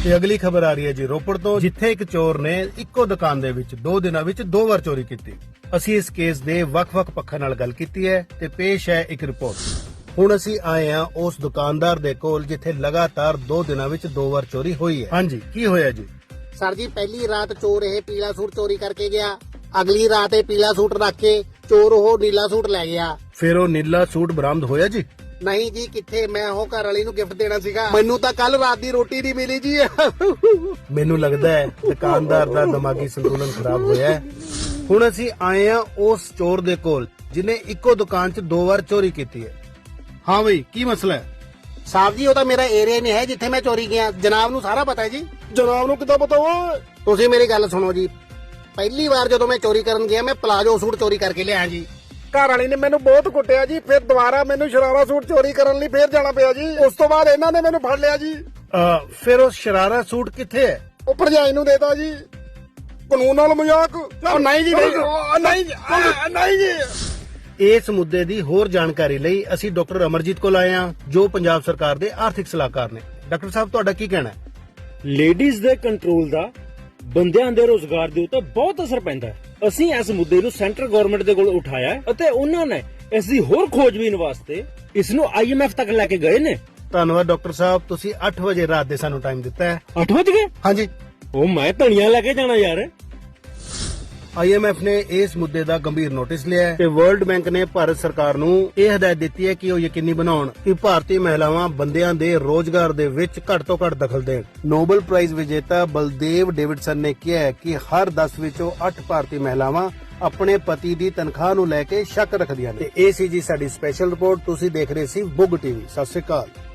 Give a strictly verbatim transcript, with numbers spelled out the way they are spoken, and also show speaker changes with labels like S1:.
S1: ਤੇ ਅਗਲੀ ਖਬਰ ਆ ਰਹੀ ਹੈ ਜੀ ਰੋਪੜ ਤੋਂ, ਜਿੱਥੇ ਇੱਕ ਚੋਰ ਨੇ ਇੱਕੋ ਦੁਕਾਨ ਦੇ ਵਿੱਚ ਦੋ ਦਿਨਾਂ ਵਿੱਚ ਦੋ ਵਾਰ ਚੋਰੀ ਕੀਤੀ। ਅਸੀਂ ਇਸ ਕੇਸ ਦੇ ਵੱਖ-ਵੱਖ ਪੱਖਾਂ ਨਾਲ ਗੱਲ ਕੀਤੀ ਹੈ ਤੇ ਪੇਸ਼ ਹੈ ਇੱਕ ਰਿਪੋਰਟ। ਹੁਣ ਅਸੀਂ ਆਏ ਹਾਂ ਉਸ ਦੁਕਾਨਦਾਰ ਦੇ ਕੋਲ ਜਿੱਥੇ ਲਗਾਤਾਰ ਦੋ ਦਿਨਾਂ ਵਿੱਚ ਦੋ ਵਾਰ ਚੋਰੀ ਹੋਈ ਹੈ। ਹਾਂਜੀ, ਕੀ ਹੋਇਆ ਜੀ?
S2: ਸਰ ਜੀ, ਪਹਿਲੀ ਰਾਤ ਚੋਰ ਇਹ ਪੀਲਾ ਸੂਟ ਚੋਰੀ ਕਰਕੇ ਗਿਆ। ਅਗਲੀ ਰਾਤ ਇਹ ਪੀਲਾ ਸੂਟ ਰੱਖ ਕੇ ਚੋਰ ਉਹ ਨੀਲਾ ਸੂਟ ਲੈ ਗਿਆ।
S1: ਫਿਰ ਉਹ ਨੀਲਾ ਸੂਟ ਬਰਾਮਦ ਹੋਇਆ ਜੀ?
S2: ਨਹੀਂ ਜੀ, ਕਿੱਥੇ, ਮੈਂ ਉਹ ਘਰ ਵਾਲੀ ਨੂੰ ਗਿਫਟ ਦੇਣਾ ਸੀਗਾ। ਮੈਨੂੰ ਤਾਂ ਕੱਲ ਰਾਤ ਦੀ ਰੋਟੀ ਨਹੀਂ ਮਿਲੀ ਜੀ।
S1: ਮੈਨੂੰ ਲੱਗਦਾ ਹੈ ਦੁਕਾਨਦਾਰ ਦਾ ਦਿਮਾਗੀ ਸੰਤੁਲਨ ਖਰਾਬ ਹੋਇਆ ਹੈ। ਹੁਣ ਅਸੀਂ ਆਏ ਹਾਂ ਉਸ ਚੋਰ ਦੇ ਕੋਲ ਜਿਨੇ ਇੱਕੋ ਦੁਕਾਨ 'ਚ ਦੋ ਵਾਰ ਚੋਰੀ ਕੀਤੀ ਹੈ। ਹਾਂ ਬਈ, ਕੀ ਮਸਲਾ ਹੈ?
S2: ਸਾਹਿਬ ਜੀ, ਉਹ ਤਾਂ ਮੇਰਾ ਏਰੀਆ ਨਹੀਂ ਹੈ ਜਿੱਥੇ ਮੈਂ ਚੋਰੀ ਗਿਆ। ਜਨਾਬ ਨੂੰ ਸਾਰਾ ਪਤਾ ਹੈ ਜੀ।
S1: ਜਨਾਬ ਨੂੰ ਕਿੱਦਾਂ ਪਤਾ ਓਏ?
S2: ਤੁਸੀਂ ਮੇਰੀ ਗੱਲ ਸੁਣੋ ਜੀ। ਪਹਿਲੀ ਵਾਰ ਜਦੋਂ ਮੈਂ ਚੋਰੀ ਕਰਨ ਗਿਆ, ਮੈਂ ਪਲਾਜੋ ਸੂਟ ਚੋਰੀ ਕਰਕੇ ਲਿਆ ਜੀ।
S3: ਘਰ ਵਾਲੀ ਨੇ ਮੈਨੂੰ ਬਹੁਤ ਕੁੱਟਿਆ ਜੀ। ਫਿਰ ਦੁਬਾਰਾ ਮੈਨੂੰ ਸ਼ਰਾਰਾ ਸੂਟ ਚੋਰੀ ਕਰਨ ਲਈ ਫੇਰ ਜਾਣਾ ਪਿਆ ਜੀ। ਉਸ ਤੋਂ ਬਾਅਦ ਇਹਨਾਂ ਨੇ ਮੈਨੂੰ ਫੜ ਲਿਆ ਜੀ।
S1: ਅਹ, ਫਿਰ ਉਹ ਸ਼ਰਾਰਾ ਸੂਟ ਕਿੱਥੇ ਹੈ?
S3: ਉਹ ਭਰਜਾਈ ਨੂੰ ਦੇਤਾ ਜੀ। ਕਾਨੂੰਨ ਨਾਲ ਮਜ਼ਾਕ। ਉਹ ਨਹੀਂ ਜੀ, ਨਹੀਂ ਉਹ ਨਹੀਂ ਜੀ, ਉਹ ਨਹੀਂ ਜੀ।
S1: ਇਸ ਮੁੱਦੇ ਦੀ ਹੋਰ ਜਾਣਕਾਰੀ ਲਈ ਅਸੀਂ ਡਾਕਟਰ ਅਮਰਜੀਤ ਕੋਲ ਆਏ ਹਾਂ, ਜੋ ਪੰਜਾਬ ਸਰਕਾਰ ਦੇ ਆਰਥਿਕ ਸਲਾਹਕਾਰ ਨੇ। ਡਾਕਟਰ ਸਾਹਿਬ, ਤੁਹਾਡਾ ਕੀ ਕਹਿਣਾ ਹੈ?
S4: ਲੇਡੀਜ਼ ਦੇ ਕੰਟਰੋਲ ਦਾ ਬੰਦਿਆਂ ਦੇ ਰੋਜ਼ਗਾਰ ਦੇ ਉੱਤੇ ਬਹੁਤ ਅਸਰ ਪੈਂਦਾ ਹੈ। ਅਸੀਂ ਇਸ ਮੁੱਦੇ ਨੂੰ ਸੈਂਟਰ ਗਵਰਨਮੈਂਟ ਦੇ ਕੋਲ ਉਠਾਇਆ ਹੈ ਅਤੇ ਉਹਨਾਂ ਨੇ ਇਸ ਦੀ ਹੋਰ ਖੋਜਬੀਨ ਵਾਸਤੇ ਇਸ ਨੂੰ ਆਈ ਐਮ ਐਫ ਤੱਕ ਲੈ ਕੇ ਗਏ ਨੇ।
S1: ਧੰਨਵਾਦ ਡਾਕਟਰ ਸਾਹਿਬ, ਤੁਸੀਂ ਅੱਠ ਵਜੇ ਰਾਤ ਦੇ ਸਾਨੂੰ ਟਾਈਮ ਦਿੱਤਾ ਹੈ।
S4: ਅੱਠ ਵਜ ਗਏ?
S1: ਹਾਂਜੀ।
S4: ਉਹ ਮੈਂ ਧਨੀਆ ਲੈ ਕੇ ਜਾਣਾ ਯਾਰ।
S1: ਆਈ ਐਮ ਐਫ ਨੇ ਇਸ ਮੁੱਦੇ ਦਾ ਗੰਭੀਰ ਨੋਟਿਸ ਲਿਆ ਹੈ ਤੇ ਵਰਲਡ ਬੈਂਕ ਨੇ ਭਾਰਤ ਸਰਕਾਰ ਨੂੰ ਇਹ ਹਦਾਇਤ ਦਿੱਤੀ ਹੈ ਕਿ ਉਹ ਯਕੀਨੀ ਬਣਾਉਣ ਕਿ ਭਾਰਤੀ ਮਹਿਲਾਵਾਂ ਬੰਦਿਆਂ ਦੇ ਰੋਜ਼ਗਾਰ ਦੇ ਵਿੱਚ ਘੱਟ ਤੋਂ ਘੱਟ ਦਖਲ ਦੇਣ। ਨੋਬਲ ਪ੍ਰਾਈਜ਼ ਵਿਜੇਤਾ ਬਲਦੇਵ ਡੇਵਿਡਸਨ ਨੇ ਕਿਹਾ ਹੈ ਕਿ ਹਰ ਦਸ ਵਿੱਚੋਂ ਅੱਠ ਭਾਰਤੀ ਮਹਿਲਾਵਾਂ ਆਪਣੇ ਪਤੀ ਦੀ ਤਨਖਾਹ ਨੂੰ ਲੈ ਕੇ ਸ਼ੱਕ ਰੱਖਦੀਆਂ ਨੇ। ਤੇ ਇਹ ਸੀ ਜੀ ਸਾਡੀ ਸਪੈਸ਼ਲ ਰਿਪੋਰਟ। ਤੁਸੀਂ ਦੇਖ ਰਹੇ ਸੀ ਬੁੱਗ ਟੀਵੀ। ਸਤਿ ਸ਼੍ਰੀ ਅਕਾਲ।